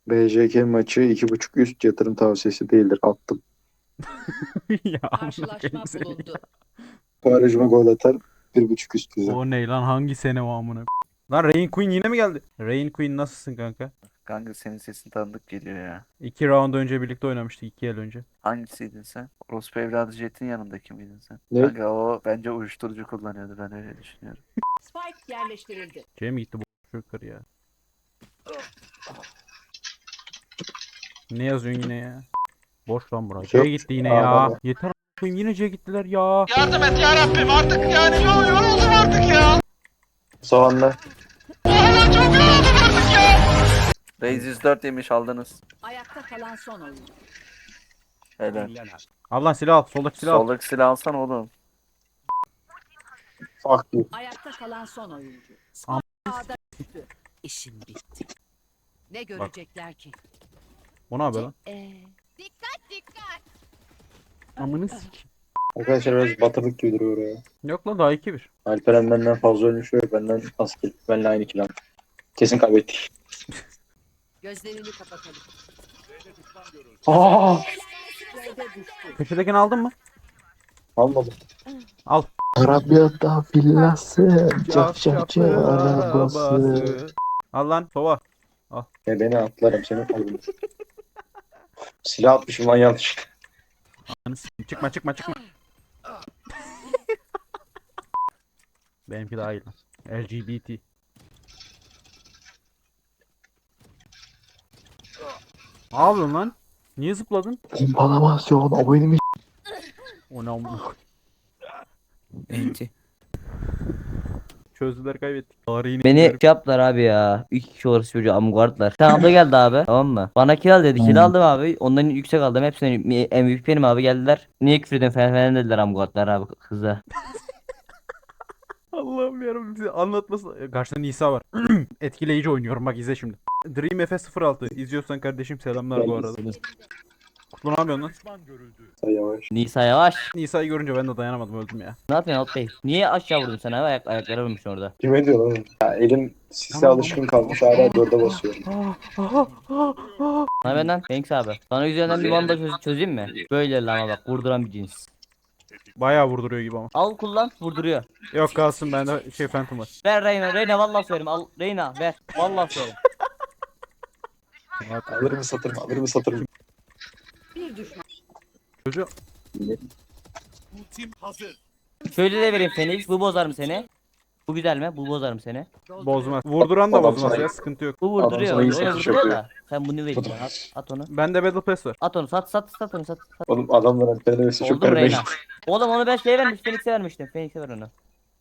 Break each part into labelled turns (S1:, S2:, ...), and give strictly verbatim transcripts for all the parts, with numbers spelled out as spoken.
S1: B J K maçı iki buçuk üst yatırım tavsiyesi değildir. Attım.
S2: Ya amına koyayım
S3: Karşılaşma
S2: seni.
S3: bulundu.
S1: Barajıma gol atar. Bir buçuk üst güzel.
S2: O ne lan, hangi sene o amına? Lan Rain Queen yine mi geldi? Rain Queen nasılsın kanka?
S4: Kanka senin sesin tanıdık geliyor ya.
S2: İki round önce birlikte oynamıştık, iki yıl önce.
S4: Hangisiydin sen? Orospu evladı Jet'in yanındaki miydin sen?
S1: Ne?
S4: Kanka o bence uyuşturucu kullanıyordu, ben öyle düşünüyorum.
S3: Spike yerleştirildi.
S2: Cem gitti bu yukarı ya. Ne yazıyorsun yine ya? Boş lan bura. C
S1: Yok.
S2: gitti yine
S1: Aa,
S2: ya.
S1: baba.
S2: Yeter a**ayım, yine C gittiler ya.
S5: Yardım et ya Rabbim, artık yani yo- yoruldum artık ya.
S1: Soğanla.
S5: Valla çok yoruldum artık ya.
S4: Raze yüz dört yemiş, aldınız.
S3: Ayakta kalan son oyuncu.
S4: Helal.
S2: Al lan silah al. Soldaki silah al.
S4: Soldaki silah alsan oğlum.
S1: Fuck you.
S3: Ayakta kalan son oyuncu.
S2: Am-
S3: Spike ağda düştü. İşim bitti. Ne görecekler ki?
S2: O ne yapıyor lan?
S3: Ee,
S2: Amını sik.
S1: Arkadaşlar biraz batırdık gibi duruyor ya.
S2: Yok lan, daha iki bir.
S1: Alperen benden fazla ölmüş ve benden az kill. Benimle aynı kill. Kesin kaybettik.
S3: gözlerini kapatalım.
S1: Aa!
S3: B'de düştü.
S2: Köşedekini aldın mı?
S1: Almadım.
S2: Al.
S1: Arabiyata villası, cafcafçı arabası.
S2: Al lan sova.
S1: Ya beni atlarım seni alırım. Silah atmışım lan yanlış.
S2: Ananı s**eyim. Çıkma çıkma çıkma. Benimki daha iyi lan. L G B T. Ne yapıyorsun lan? Niye zıpladın?
S1: Pompalamasyon oyunu
S2: O ne amına koyayım.
S6: Enti.
S2: Çözdüler, kaybettik. Tarihini
S6: Beni
S2: bilmiyorum.
S6: şey yaptılar abi ya. İki kişi orası çocuğu amguardlar. Tamam abla geldi abi. Tamam mı? Bana kill al dedi. Kill aldım abi. Ondan yüksek aldım. Hepsine M V P benim abi geldiler. Niye küfür ediyorsun falan falan dediler amguardlar abi kıza.
S2: Allah'ım yarabbim, bize anlatması. Karşıda Nisa var. Etkileyici oynuyorum, bak izle şimdi. Dream F S sıfır altı izliyorsan kardeşim selamlar bu arada. Kutlu ne yapıyorsun lan?
S1: yavaş.
S6: Nisa yavaş.
S2: Nisa'yı görünce ben de dayanamadım, öldüm ya.
S6: Ne yapıyorsun Alt Bey? Niye aşağı vurdun sen abi? Ayak, ayaklara vurmuşsun orada.
S1: Kime diyor lan? Ya elim sise
S2: Tamam,
S1: alışkın kalmış hala dörde basıyorum.
S6: Ne benden? Thanks abi. Sana üzerinden bir banda çöz çözeyim mi? Böyle lama bak. Vurduran bir cins.
S2: Bayağı vurduruyor gibi ama.
S6: Al kullan. Vurduruyor.
S2: Yok kalsın, bende şey Phantom var.
S6: Ver Reyna. Reyna vallahi söylerim. Al Reyna ver. Vallahi söylerim.
S1: Alır mı satır mı? Alır mı satır mı?
S3: Bir düşman.
S2: Çocuğu
S5: Ultim hazır.
S6: Şöyle de vereyim Phoenix. Bu bozar mı seni? Bu güzel mi? Bu bozar mı seni?
S2: bozmaz. Vurduran da
S1: Adam
S2: bozmaz
S1: sana-
S2: ya, sıkıntı yok.
S6: Bu vurduruyor.
S1: sana iyi
S6: Onu
S1: satış
S6: vurduruyor
S1: yapıyor.
S6: da. Sen bunu verin bana. At, at onu.
S2: Bende Battle Pass var.
S6: At onu. Sat sat sat onu. Sat. sat.
S1: Oğlum adamlar Alperen'e mesaj çok
S6: Oldu mu
S1: vermeyin.
S6: Reyna? Oğlum onu ben şeye vermiş. Phoenix'e vermiştim. Phoenix'e ver onu.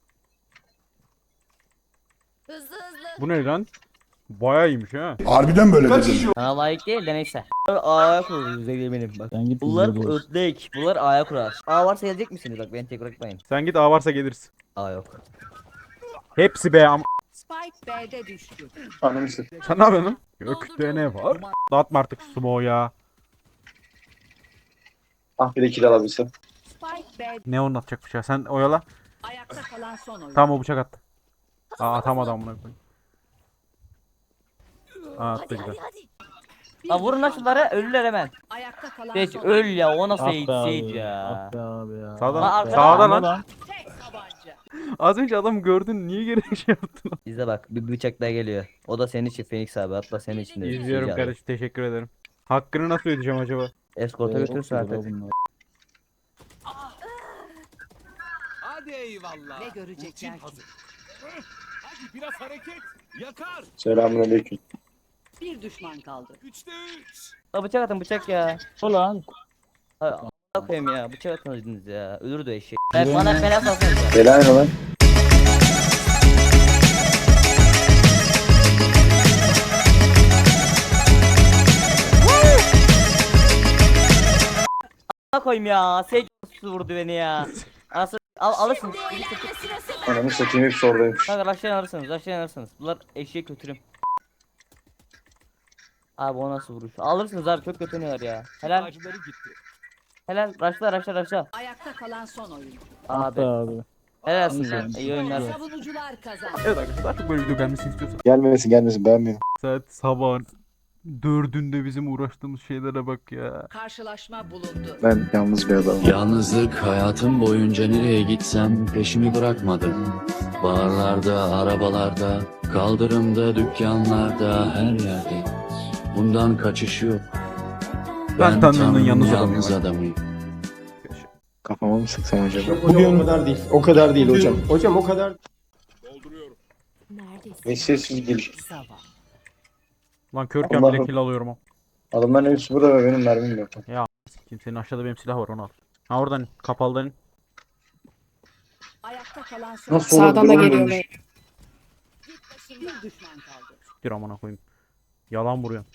S3: Hızlı hızlı.
S2: Bu ne lan? Bayağı iyiymiş ha.
S7: Harbiden böyle dedim.
S6: Sana layık değil de neyse. A'ya kurulur yüzey benim bak. Bunlar ötlek. Bunlar A'ya kurar. A varsa gelecek misiniz? Bak beni tek bırakmayın.
S2: Sen git, A varsa geliriz.
S6: A yok.
S2: Hepsi be am...
S3: Spike B'de düştü.
S1: Ananı satayım.
S2: Sen ne yapıyorsun lan? Gökte ne var? Dağıtma artık sumo ya.
S1: Ah bir de kill alabilsem.
S3: Spike B
S2: Ne onun atacakmış ya, sen oyala.
S3: ayakta kalan son oyuncu.
S2: Tamam, o bıçak attı. Aa atamadı amına koyayım. Aa attı güzel.
S3: Bir
S6: Ha vurun lan
S3: düşman
S6: şunları
S3: kaldı.
S6: ölürler hemen.
S3: Ayakta kalan
S6: Geç
S3: son
S6: öl
S3: oyuncu.
S6: ya o nasıl Sage Sage ya.
S2: Sağdan,
S6: Lan arkada-
S2: sağda lan.
S3: Tek tabanca.
S2: Az önce adam gördün, niye geri şey yaptın?
S6: Bizde bak bir bıçak daha geliyor. O da senin için Phoenix abi atla senin için de.
S2: İzliyorum
S6: Sage abi.
S2: kardeşim, teşekkür ederim. Hakkını nasıl ödeyeceğim acaba?
S6: Eskorta götürürsün artık.
S5: Hadi eyvallah.
S3: Ne görecekler
S5: Ultim
S3: ki?
S5: hazır. Hadi biraz hareket. Yakar.
S1: Selamünaleyküm.
S3: Bir düşman kaldı.
S5: Üçte üç.
S6: La bıçak atın bıçak ya. Ulan. Hay a**a koyayım ya bıçak atmadınız ya. Ölürdü eşek. Ben bana fena salsanız ya.
S1: Bela ne lan?
S6: A**a koyayım ya. Sage su vurdu beni ya. Anasını al alırsınız.
S1: Ananı satayım hepsi oradaymış.
S6: Kanka aşağıya alırsınız aşağıya alırsınız. Bunlar eşeğe kötürüm. Abi o nasıl vuruş? Alırsınız abi çok kötü oynuyorlar ya. Helal.
S5: Acıları gitti.
S6: Helal. Raşla raşla raşla.
S3: Ayakta kalan son oyuncu.
S6: Abi. Helalsin lan. İyi oyunlar.
S3: Savunucular kazandı.
S2: Evet arkadaşlar, artık böyle video gelmesini istiyorsan.
S1: Gelmesin gelmesin beğenmiyorum.
S2: Saat sabahın Dördünde bizim uğraştığımız şeylere bak ya.
S3: Karşılaşma bulundu.
S1: Ben yalnız bir adamım.
S7: Yalnızlık hayatım boyunca nereye gitsem peşimi bırakmadı. Barlarda, arabalarda, kaldırımda, dükkanlarda, her yerde. Bundan kaçış yok.
S2: Ben Tanrı'nın
S7: Tanrı'nın
S2: yalnız
S7: yalnız
S2: adamıyım.
S7: adamıyım.
S1: Kafama mı sıksam acaba?
S8: Hocam o kadar değil. O kadar değil hocam. Hocam o kadar.
S5: Dolduruyorum.
S3: Neredesin?
S1: Ne sessiz geliş.
S3: Zavallı.
S2: Lan körken
S1: Allah'ım.
S2: bile kill alıyorum o.
S1: Adamların hepsi burada ve benim mermim yok.
S2: Kimsenin aşağıda benim silah var onu al. Ha oradan kapalıdan in.
S3: Ayakta kalan son.
S1: Nasıl olur?
S9: Sağdan da geliyor
S1: Görmemiş.
S9: bey.
S3: Bir düşman kaldı.
S2: Dur amına koyayım. Yalan vuruyorsun.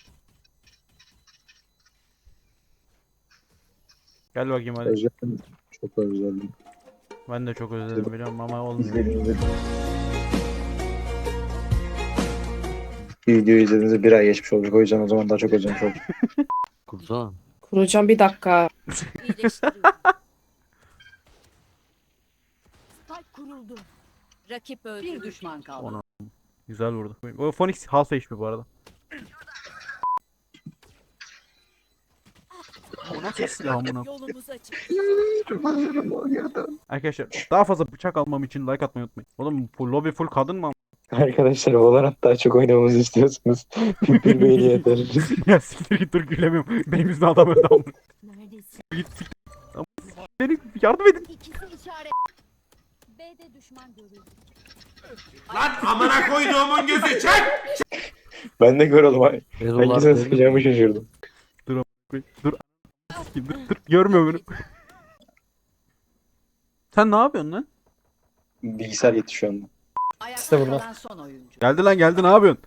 S2: Gel bakayım hadi.
S1: Özledim. Çok özledim.
S2: Ben de çok özledim biliyorum ama olmuyor.
S1: İzledim izledim. Bir videoyu izlediğinizde bir ay geçmiş olacak. O yüzden o zaman daha çok özlemiş olacak.
S7: Kursana.
S9: Kuracağım bir dakika.
S3: İyileştiriyorum. Spike kuruldu. Rakip öldü. Bir düşman kaldı.
S2: Onu. Güzel vurdu. O Phoenix half H P bu arada. Bu nasıl silah amına?
S3: Yolumuz açık.
S2: Arkadaşlar daha fazla bıçak almam için like atmayı unutmayın. Oğlum full lobby full kadın mı?
S1: Arkadaşlar Valorant daha çok oynamamızı istiyorsunuz. Bir beğeni yeter.
S2: Ya siktir git dur gülemiyorum. Benim yüzümden adam öldü amına.
S3: Neredesin?
S2: Git siktir. Ama Beni yardım edin.
S3: İkisi işaret. B'de düşman görüldü.
S5: Lan amına koyduğumun gözü çek.
S1: Ben de gör oğlum. Hangisine sıkacağımı şaşırdım.
S2: Dur. Sikeyim, dur dur. Görmüyor beni. Sen ne yapıyorsun lan?
S1: Bilgisayar gitti şu anda.
S3: Ayakta
S8: İşte burada.
S3: kalan son oyuncu.
S2: Geldi lan geldi ne yapıyorsun?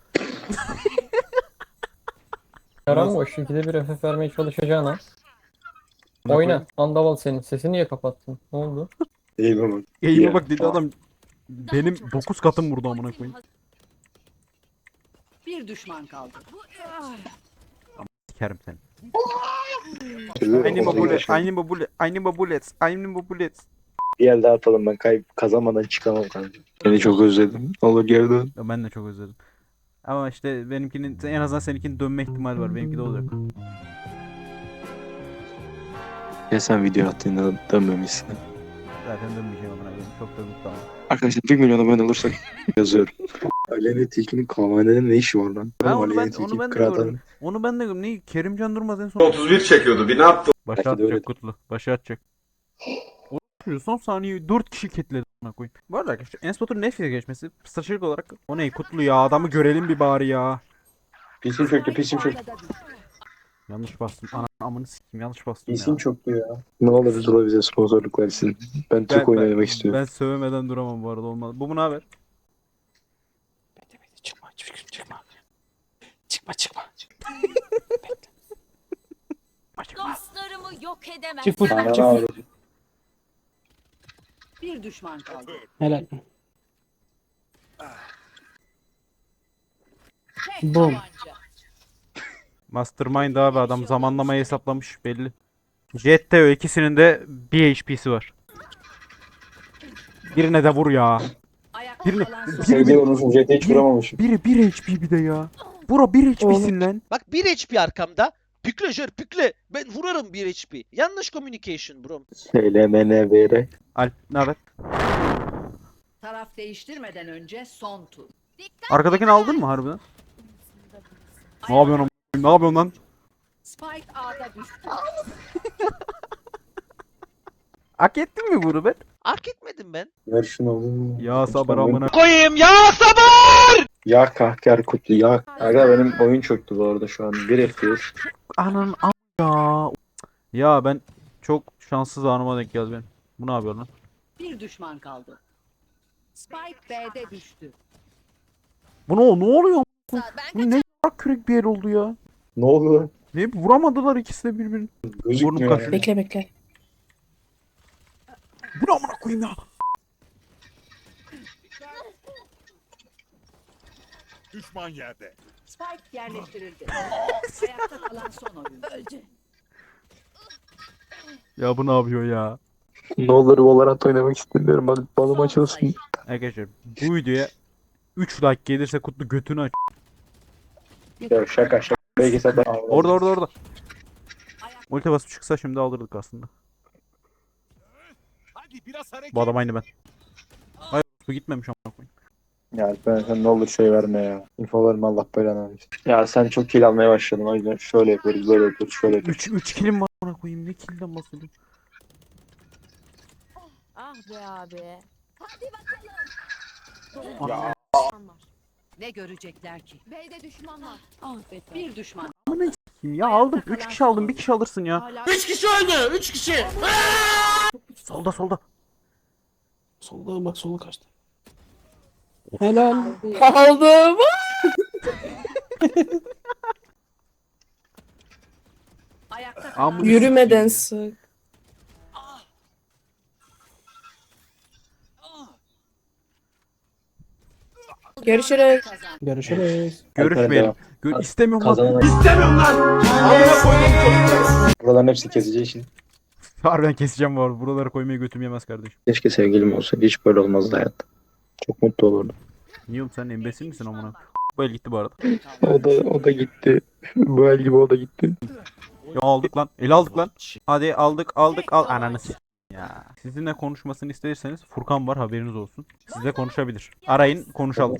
S8: Yaran boş. İkide bir F F vermeye çalışacağına. Oyna. Andaval senin. Sesini niye kapattın? Ne oldu?
S1: İyi baba.
S2: Eğime
S1: Ya.
S2: bak dedi adam. Benim dokuz katım vurdu amına koyayım.
S3: Bir düşman kaldı.
S2: Sikerim seni.
S1: Türlü
S2: Aynı
S1: oldu
S2: babulet,
S1: yaşadım.
S2: aynı babulet, aynı babulet, aynı babulet.
S1: Bir el daha atalım, ben kay kazanmadan çıkamam kanka. Seni çok özledim. Olur geri dön.
S2: Ya ben de çok özledim. Ama işte benimkinin en azından seninkinin dönme ihtimali var. Benimki de olacak.
S1: Ya sen video attığında dönmemişsin.
S2: Zaten dönmeyeceğim amına koyayım. Çok da mutlu ama.
S1: Arkadaşlar bir milyon abone olursak yazıyorum. Aleyna Tilki'nin kahvehanede ne işi var lan?
S2: Ha, onu
S1: Aleyna
S2: ben-
S1: Tilki
S2: onu ben de
S1: kıraatan-
S2: gördüm. Onu ben de gördüm. Ne? Kerimcan Durmaz en son.
S5: otuz bir çekiyordu. Bir ne yaptı?
S2: Başa
S1: Belki de
S2: atacak
S1: öyle.
S2: kutlu. Başa atacak. O son saniyeyi dört kişi ketledi amına koyayım. Bu arada arkadaşlar Enspot'un Nefis'e geçmesi stratejik olarak o ne kutlu ya adamı görelim bir bari ya.
S1: Pisim çöktü, pisim çöktü.
S2: Yanlış bastım. Ana amını sikeyim yanlış bastım
S1: Pisim
S2: ya.
S1: çöktü ya. Ne olur Zula bize sponsorluk versin. Ben Türk oyunu oynamak istiyorum.
S2: Ben sövmeden duramam bu arada olmaz. Bu mu ne haber?
S1: Çıkma, çıkma, çıkma. Çıkma, çıkma.
S3: Dostlarımı yok edemez.
S8: Çık buradan
S1: Ana
S8: çık.
S1: ağrı.
S3: Bir düşman kaldı.
S8: Helal.
S3: Tek
S8: Bom.
S3: tabanca.
S2: Mastermind abi adam zamanlamayı hesaplamış belli. Jet Teo ikisinin de bir H P'si var. Birine de vur ya.
S3: Ayakta
S2: Birini-
S3: kalan son
S1: Şey diye unutmuşum, J T hiç vuramamışım.
S2: Biri bir H P bir de ya. Bura bir H P'sin lan.
S10: Bak bir H P arkamda. Pükle jör pükle. Ben vurarım bir H P. Yanlış communication bro.
S1: Söylemene vere.
S2: Alp ne haber?
S3: taraf değiştirmeden önce son tur.
S2: Arkadakini aldın mı harbiden? Ne yapıyorsun am- Ne yapıyorsun lan?
S3: Spike A'da düştü.
S2: Hak ettin mi bunu ben?
S10: Hak etmedim ben.
S1: Ver şunu.
S2: Ya sabır amına.
S10: Koyayım ya sabır.
S1: Ya kahker kutlu ya. Aga benim oyun çöktü bu arada şu an. Bir F P S.
S2: Anan am ya. Ya ben çok şanssız anıma denk geldi benim. Bu ne yapıyor lan?
S3: Bir düşman kaldı. Spike B'de düştü.
S2: Bu ne, ne oluyor? Bu ne y**ak kürek bir yer oldu ya.
S1: Ne oldu lan?
S2: Ne vuramadılar ikisi de birbirini.
S1: Gözükmüyor
S2: Burnum
S1: yani.
S2: kaşınıyor.
S9: Bekle bekle.
S2: Bu ne amına koyayım ya?
S5: Düşman yerde.
S3: Spike yerleştirildi. Ayakta kalan son oyuncu. Öldü.
S2: Ya bu ne yapıyor ya?
S1: Ne olur Valorant oynamak istemiyorum. Hadi balım açılsın.
S2: Arkadaşlar bu videoya üç like gelirse Kutlu götünü aç.
S1: Ya şaka şaka. Belki sen
S2: Orada orada orada. Ulti basıp çıksa şimdi alırdık aslında.
S5: Hadi biraz hareket.
S2: Bu adam aynı ben. Hayır bu gitmemiş amına koyayım.
S1: Ya ben sen ne olur şey verme ya. İnfo verme Allah belanı versin. Ya sen çok kill almaya başladın o yüzden şöyle yapıyoruz böyle yapıyoruz şöyle yapıyoruz.
S2: üç üç kilim var amına koyayım. Ne killden bahsediyorsun?
S9: Ah be abi.
S1: Ya.
S3: Ne görecekler ki?
S9: B'de düşman var.
S3: Ah be. Bir düşman.
S2: Ya aldım. üç kişi aldım. bir kişi alırsın ya.
S9: Hala
S5: Üç kişi öldü. Üç kişi.
S2: Solda solda.
S5: Solda bak sola kaçtı.
S9: helal.
S11: Aldım.
S3: Ayakta
S2: Amına
S3: kalan
S11: Yürümeden sık. Görüşürüz.
S3: kazan.
S8: Görüşürüz.
S2: Görüşmeyelim. Gör istemiyorum lan.
S1: Kazanan
S5: İstemiyorum lan. Amına koydum çocuklar.
S1: buraların hepsi keseceği için.
S2: Harbiden keseceğim bu arada. Buraları koymaya götüm yemez kardeşim.
S1: Keşke sevgilim olsaydı hiç böyle olmazdı hayat. Çok mutlu olurdum.
S2: Niye oğlum sen embesil misin amına? Bu el gitti bu arada.
S1: O da o da gitti. Bu el gibi o da gitti.
S2: Ya aldık lan. El aldık lan. Hadi aldık aldık al. Ananı s- ya. Sizinle konuşmasını isterseniz Furkan var haberiniz olsun. Sizle konuşabilir. Arayın konuşalım.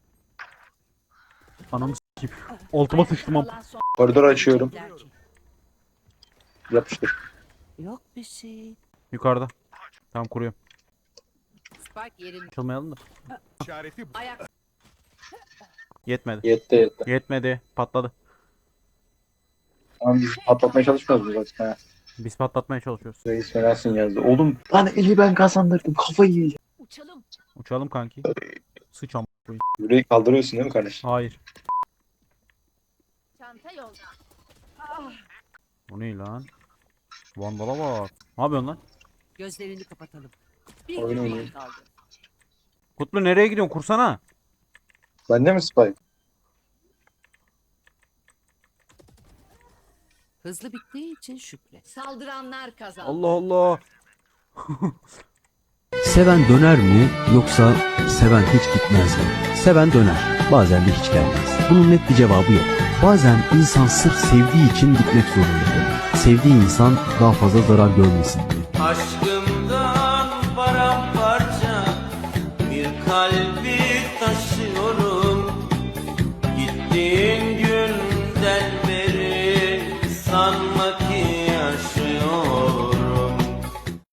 S2: Anamı s**eyim. Altıma sıçtım am.
S3: Kalan son
S1: Koridor açıyorum.
S3: görecekler ki?
S1: Yapıştır.
S3: Yok bir şey.
S2: Yukarıda. Tamam kuruyorum.
S3: Spike yerinde.
S2: Açılmayalım da.
S5: İşareti
S3: Ayak.
S2: Yetmedi.
S1: Yetti yetti.
S2: Yetmedi. Patladı.
S1: Tamam biz patlatmaya çalışmıyoruz mu zaten ha?
S2: Biz patlatmaya çalışıyoruz.
S1: Reis fenasın yazdı. Oğlum lan eli ben kazandırdım kafayı yiyeceğim.
S3: Uçalım.
S2: Uçalım kanki. Sıç am. koyayım.
S1: Yüreği kaldırıyorsun değil mi kardeşim?
S2: Hayır.
S9: Çanta yolda.
S2: Bu ne lan? Vandala bak. Ne yapıyorsun lan?
S3: Gözlerini kapatalım. Bir
S1: Oyun
S3: düşman
S1: oynayayım.
S3: kaldı.
S2: Kutlu nereye gidiyorsun? Kursana.
S1: Bende mi Spike?
S3: Hızlı bittiği için şükret. Saldıranlar kazandı.
S2: Allah Allah.
S7: Seven döner mi yoksa seven hiç gitmez mi? Seven döner, bazen de hiç gelmez. Bunun net bir cevabı yok. Bazen insan sırf sevdiği için gitmek zorundadır. Sevdiği insan daha fazla zarar görmesin diye.
S5: Aşkımdan paramparça bir kalbi